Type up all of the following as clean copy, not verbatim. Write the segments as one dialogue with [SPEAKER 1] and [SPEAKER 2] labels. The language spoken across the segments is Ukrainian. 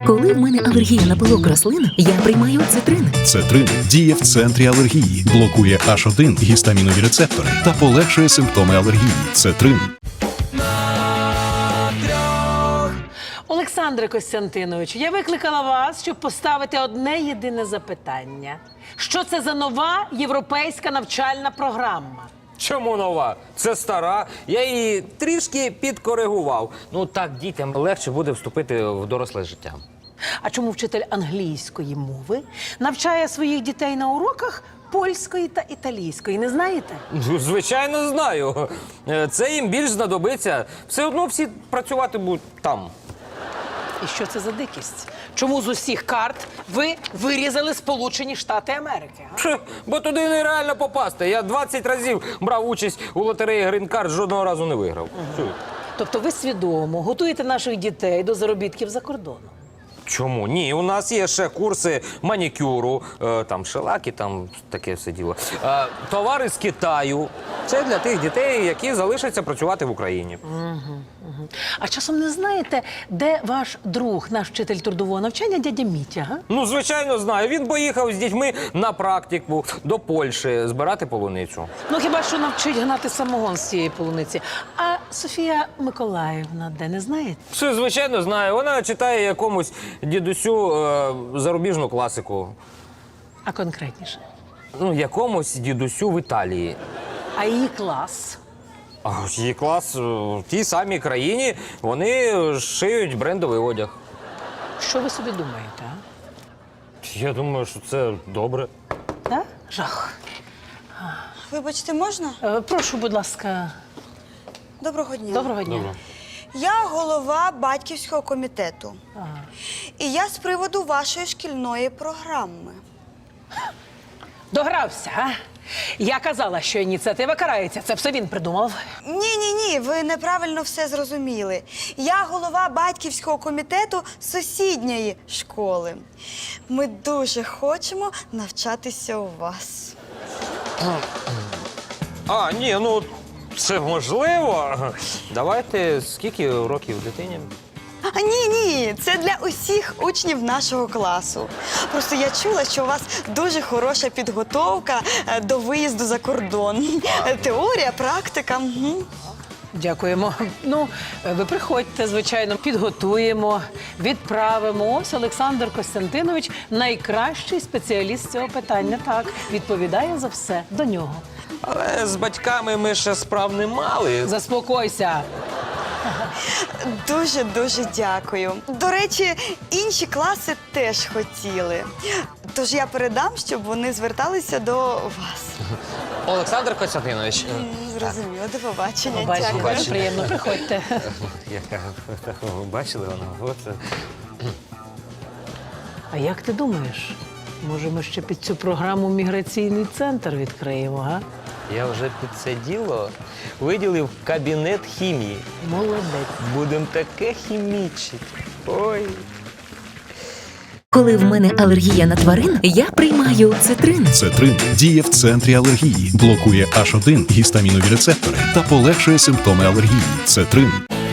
[SPEAKER 1] Коли в мене алергія на пилок рослин, я приймаю цитрин.
[SPEAKER 2] Цетрин діє в центрі алергії, блокує H1 гістамінові рецептори та полегшує симптоми алергії. Цетрин.
[SPEAKER 3] Олександре Костянтиновичу, я викликала вас, щоб поставити одне єдине запитання. Що це за нова європейська навчальна програма?
[SPEAKER 4] Чому нова? Це стара. Я її трішки підкоригував. Ну так дітям легше буде вступити в доросле життя.
[SPEAKER 3] А чому вчитель англійської мови навчає своїх дітей на уроках польської та італійської? Не знаєте?
[SPEAKER 4] Ну, звичайно, знаю. Це їм більш знадобиться. Все одно всі працювати будуть там.
[SPEAKER 3] І що це за дикість? Чому з усіх карт ви вирізали Сполучені Штати Америки? А?
[SPEAKER 4] Бо туди нереально попасти. Я 20 разів брав участь у лотереї Грін-карт, жодного разу не виграв.
[SPEAKER 3] Тобто ви свідомо готуєте наших дітей до заробітків за кордоном?
[SPEAKER 4] Чому? Ні, у нас є ще курси манікюру, там шелаки, там таке все діло. Товари з Китаю. Це для тих дітей, які залишаться працювати в Україні.
[SPEAKER 3] А часом не знаєте, де ваш друг, наш вчитель трудового навчання, дядя Мітя, га?
[SPEAKER 4] Ну, звичайно, знаю. Він поїхав з дітьми на практику до Польщі збирати полуницю.
[SPEAKER 3] Ну, хіба що навчить гнати самогон з цієї полуниці. А Софія Миколаївна, де, не знаєте?
[SPEAKER 4] Все, звичайно, знаю. Вона читає якомусь дідусю зарубіжну класику.
[SPEAKER 3] А конкретніше?
[SPEAKER 4] Ну, якомусь дідусю в Італії.
[SPEAKER 3] А її клас?
[SPEAKER 4] А її клас в тій самій країні, вони шиють брендовий одяг.
[SPEAKER 3] Що ви собі думаєте, а?
[SPEAKER 4] Я думаю, що це добре.
[SPEAKER 3] Так? Жах.
[SPEAKER 5] Вибачте, можна?
[SPEAKER 3] Прошу, будь ласка.
[SPEAKER 5] Доброго дня.
[SPEAKER 3] Доброго дня.
[SPEAKER 4] Добре.
[SPEAKER 5] Я голова батьківського комітету. І я з приводу вашої шкільної програми.
[SPEAKER 3] Догрався, а? Я казала, що ініціатива карається. Це все він придумав.
[SPEAKER 5] Ні, ви неправильно все зрозуміли. Я голова батьківського комітету сусідньої школи. Ми дуже хочемо навчатися у вас.
[SPEAKER 4] А, ні, ну це можливо. Давайте, скільки років дитині?
[SPEAKER 5] А ні, це для усіх учнів нашого класу. Просто я чула, що у вас дуже хороша підготовка до виїзду за кордон. Теорія, практика.
[SPEAKER 3] Дякуємо. Ну, ви приходьте, звичайно, підготуємо, відправимо. Ось Олександр Костянтинович – найкращий спеціаліст з цього питання. Так, відповідає за все до нього.
[SPEAKER 4] Але з батьками ми ще справ не мали.
[SPEAKER 3] Заспокойся.
[SPEAKER 5] Дуже дякую. До речі, інші класи теж хотіли. Тож я передам, щоб вони зверталися до вас.
[SPEAKER 4] Олександр Костянтинович.
[SPEAKER 5] Зрозуміло, до побачення.
[SPEAKER 3] Бачите,
[SPEAKER 5] Дякую.
[SPEAKER 3] дуже приємно, приходьте.
[SPEAKER 4] Бачили воно? От.
[SPEAKER 3] А як ти думаєш, може ми ще під цю програму міграційний центр відкриємо, га?
[SPEAKER 4] Я вже під це діло виділив кабінет хімії.
[SPEAKER 3] Молодець.
[SPEAKER 4] Будемо таке хімічити. Ой.
[SPEAKER 1] Коли в мене алергія на тварин, я приймаю цитрин.
[SPEAKER 2] Цетрин діє в центрі алергії, блокує H1 гістамінові рецептори та полегшує симптоми алергії. Цетрин.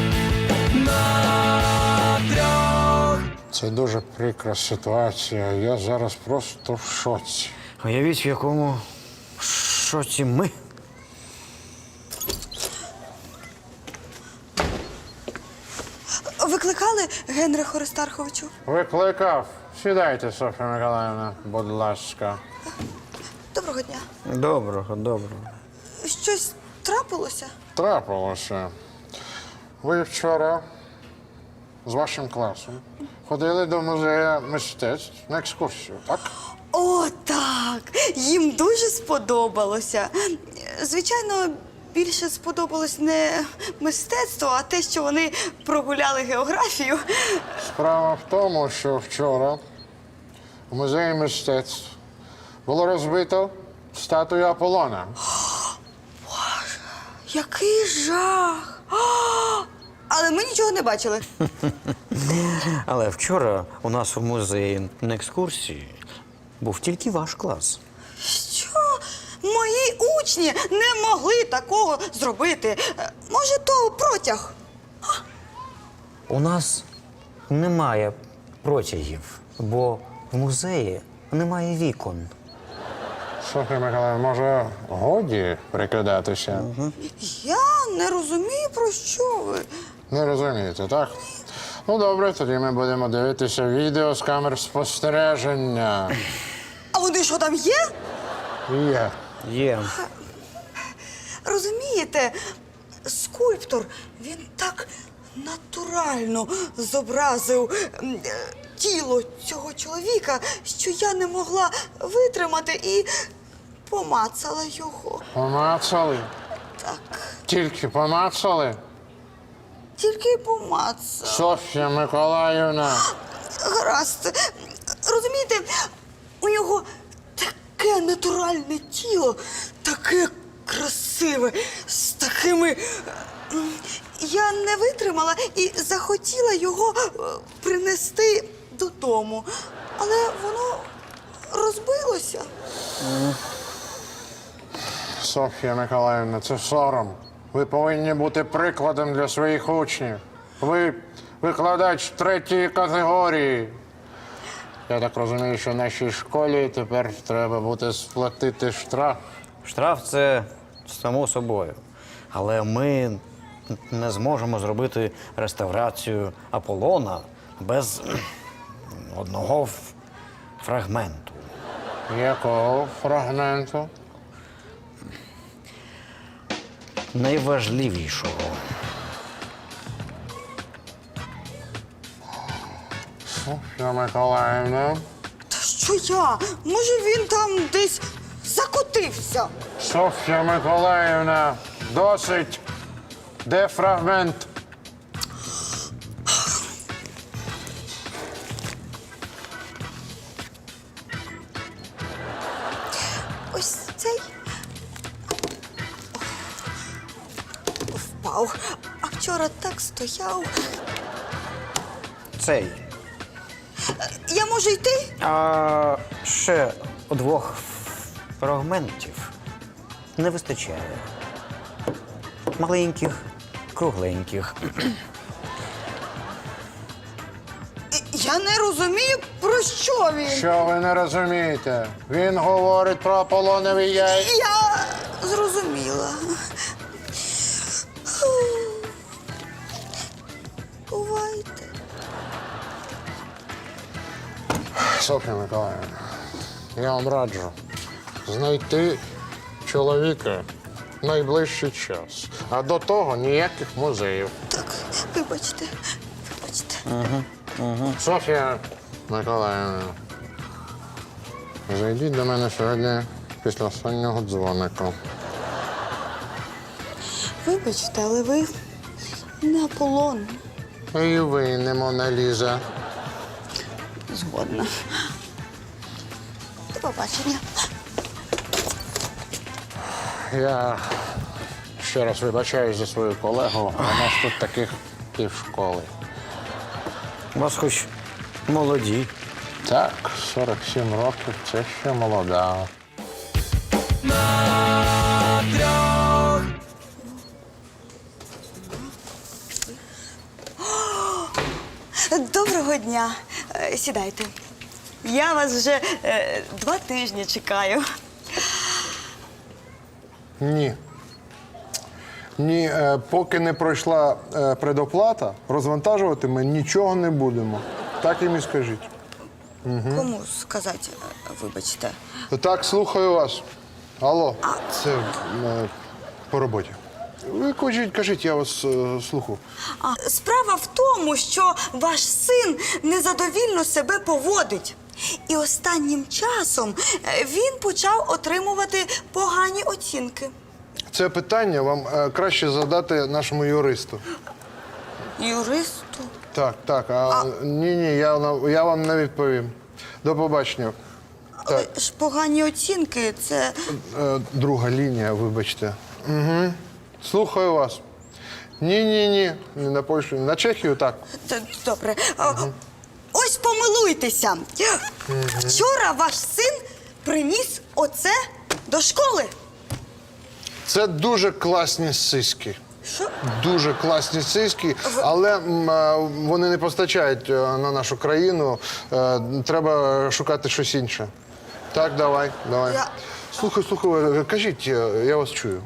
[SPEAKER 6] Це дуже прикра ситуація. Я зараз просто в шоці.
[SPEAKER 7] Уявіть, в якому шоці ми.
[SPEAKER 5] Викликали Генриху Аристарховичу?
[SPEAKER 6] Викликав. Сідайте, Софія Миколаївна, будь ласка.
[SPEAKER 5] Доброго дня.
[SPEAKER 7] Доброго.
[SPEAKER 5] Щось трапилося?
[SPEAKER 6] Трапилося. Ви вчора з вашим класом ходили до музею мистецтв на екскурсію, так?
[SPEAKER 5] О, так! Їм дуже сподобалося. Звичайно, більше сподобалось не мистецтво, а те, що вони прогуляли географію.
[SPEAKER 6] Справа в тому, що вчора у музеї мистецтв було розбито статую Аполлона.
[SPEAKER 5] Який жах! Але ми нічого не бачили.
[SPEAKER 7] Але вчора у нас у музеї на екскурсії був тільки ваш клас.
[SPEAKER 5] Що? Мої учні не могли такого зробити. Може, то протяг?
[SPEAKER 7] У нас немає протягів, бо в музеї немає вікон.
[SPEAKER 6] Софія Миколаївна, може, годі прикидатися?
[SPEAKER 5] Я не розумію, про що ви.
[SPEAKER 6] Не розумієте, так? Ну, добре, тоді ми будемо дивитися відео з камер спостереження.
[SPEAKER 5] А вони що там є?
[SPEAKER 6] Є.
[SPEAKER 7] Є.
[SPEAKER 5] Розумієте, скульптор, він так натурально зобразив тіло цього чоловіка, що я не могла витримати і помацала його.
[SPEAKER 6] Помацали?
[SPEAKER 5] Так,
[SPEAKER 6] Тільки помацали?
[SPEAKER 5] тільки й помацала.
[SPEAKER 6] Софія Миколаївна.
[SPEAKER 5] Гаразд. Розумієте, у нього таке натуральне тіло, таке красиве, з такими. Я не витримала і захотіла його принести додому. Але воно розбилося.
[SPEAKER 6] Софія Миколаївна, це сором. Ви повинні бути прикладом для своїх учнів. Ви викладач 3-ї категорії. Я так розумію, що нашій школі тепер треба буде сплатити штраф.
[SPEAKER 7] Штраф це само собою. Але ми не зможемо зробити реставрацію Аполлона без одного фрагменту.
[SPEAKER 6] Якого фрагменту?
[SPEAKER 7] Найважливішого.
[SPEAKER 6] Софія Миколаївна.
[SPEAKER 5] Та що я? Може, він там десь закотився?
[SPEAKER 6] Софія Миколаївна, досить. Де фрагмент?
[SPEAKER 5] Ось цей впав. А вчора так стояв.
[SPEAKER 7] Цей.
[SPEAKER 5] Я можу йти?
[SPEAKER 7] А ще 2 фрагментів не вистачає. Маленьких, кругленьких.
[SPEAKER 5] Я не розумію, про що він.
[SPEAKER 6] Що ви не розумієте? Він говорить про Аполлонові яйця.
[SPEAKER 5] Я зрозуміла. Бувайте.
[SPEAKER 6] Софія Миколаївна, я вам раджу знайти чоловіка в найближчий час. А до того ніяких музеїв.
[SPEAKER 5] Так, вибачте.
[SPEAKER 6] Софія Миколаївна, зайдіть до мене сьогодні після останнього дзвоника.
[SPEAKER 5] Вибачте, але ви не Аполлон.
[SPEAKER 6] І ви не Мона Ліза.
[SPEAKER 5] Згодна. До побачення.
[SPEAKER 6] Я ще раз вибачаюсь за свою колегу. У нас тут таких півшколи.
[SPEAKER 7] У вас хоч молоді.
[SPEAKER 6] Так, 47 років це ще молода.
[SPEAKER 5] Доброго дня. Сідайте. Я вас вже 2 тижні чекаю.
[SPEAKER 8] Ні. Ні, поки не пройшла предоплата, розвантажувати ми нічого не будемо. Так їм і скажіть.
[SPEAKER 5] Кому сказати, вибачте?
[SPEAKER 8] Так, слухаю вас. Алло, це по роботі. Ви кажіть, я вас слухаю.
[SPEAKER 5] Справа в тому, що ваш син незадовільно себе поводить. І останнім часом він почав отримувати погані оцінки.
[SPEAKER 8] Це питання вам краще задати нашому юристу.
[SPEAKER 5] Юристу?
[SPEAKER 8] Так, ні, я вам не відповім. До побачення.
[SPEAKER 5] Але ж погані оцінки – це…
[SPEAKER 8] Друга лінія, вибачте. Угу. Слухаю вас. Ні, не на Польщу, на Чехію, так.
[SPEAKER 5] Добре. Ось помилуйтеся. Вчора ваш син приніс оце до школи.
[SPEAKER 8] Це дуже класні сиськи.
[SPEAKER 5] Що?
[SPEAKER 8] Дуже класні сиськи, але вони не постачають на нашу країну. Треба шукати щось інше. Так, давай. Слухай, кажіть, я вас чую.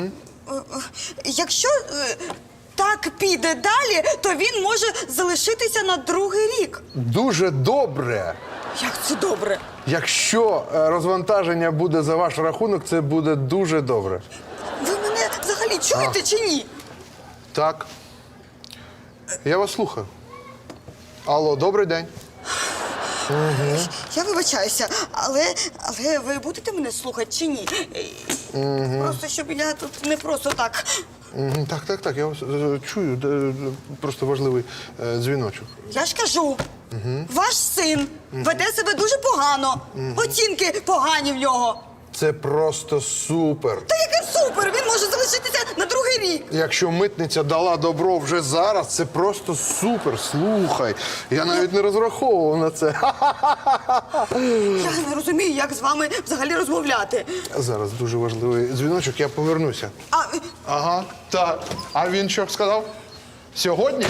[SPEAKER 5] Якщо так піде далі, то він може залишитися на другий рік.
[SPEAKER 8] Дуже добре.
[SPEAKER 5] Як це добре?
[SPEAKER 8] Якщо розвантаження буде за ваш рахунок, це буде дуже добре.
[SPEAKER 5] Ви мене взагалі чуєте чи ні?
[SPEAKER 8] Так. Я вас слухаю. Алло, добрий день.
[SPEAKER 5] Я вибачаюся, але ви будете мене слухати чи ні? Просто щоб я тут не просто так.
[SPEAKER 8] Так, я вас чую. Просто важливий дзвіночок.
[SPEAKER 5] Я ж кажу, ваш син веде себе дуже погано. Оцінки погані в нього.
[SPEAKER 8] Це просто супер.
[SPEAKER 5] Та яке супер! Він може залишитися на другий рік.
[SPEAKER 8] Якщо митниця дала добро вже зараз, це просто супер. Слухай, я навіть не розраховував на це.
[SPEAKER 5] Я не розумію, як з вами взагалі розмовляти.
[SPEAKER 8] Зараз дуже важливий дзвіночок, я повернуся. Ага, так. А він що сказав? Сьогодні?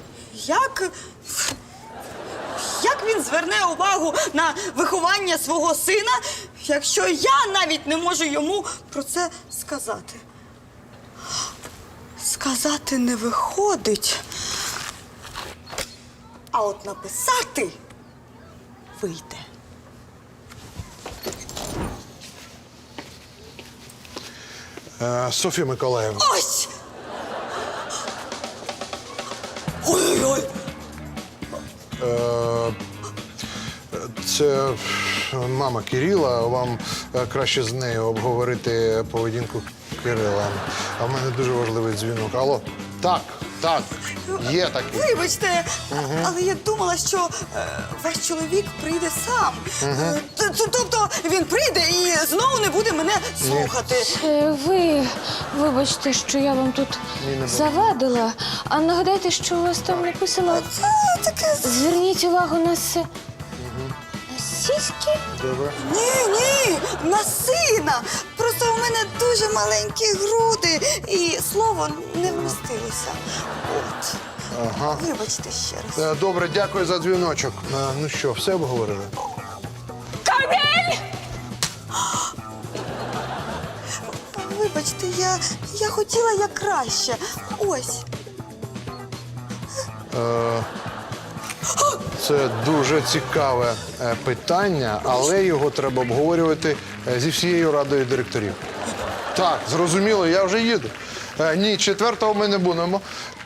[SPEAKER 5] Як він зверне увагу на виховання свого сина, якщо я навіть не можу йому про це сказати? Сказати не виходить. А от написати вийде.
[SPEAKER 8] Софія Миколаївна.
[SPEAKER 5] Ось! Ой-ой-ой!
[SPEAKER 8] Це мама Кирила. Вам краще з нею обговорити поведінку Кирила. А в мене дуже важливий дзвінок. Алло, так, є такий.
[SPEAKER 5] Вибачте, але я думала, що ваш чоловік прийде сам. Тобто він прийде і знову не буде мене слухати.
[SPEAKER 9] Ви вибачте, що я вам тут завадила. А нагадайте, що у вас там написано?
[SPEAKER 5] Це таке.
[SPEAKER 9] Зверніть увагу на на сіськи?
[SPEAKER 8] Добре.
[SPEAKER 5] Ні, на сина. Просто у мене дуже маленькі груди і слово не вмістилося. От.
[SPEAKER 8] Ага.
[SPEAKER 5] Вибачте ще раз.
[SPEAKER 8] Добре, дякую за дзвіночок. Ну що, все обговорили?
[SPEAKER 5] Вибачте, я хотіла як краще. Ось.
[SPEAKER 8] Це дуже цікаве питання, але його треба обговорювати зі всією радою директорів. Так, зрозуміло, я вже їду. Ні, 4-го ми не будемо.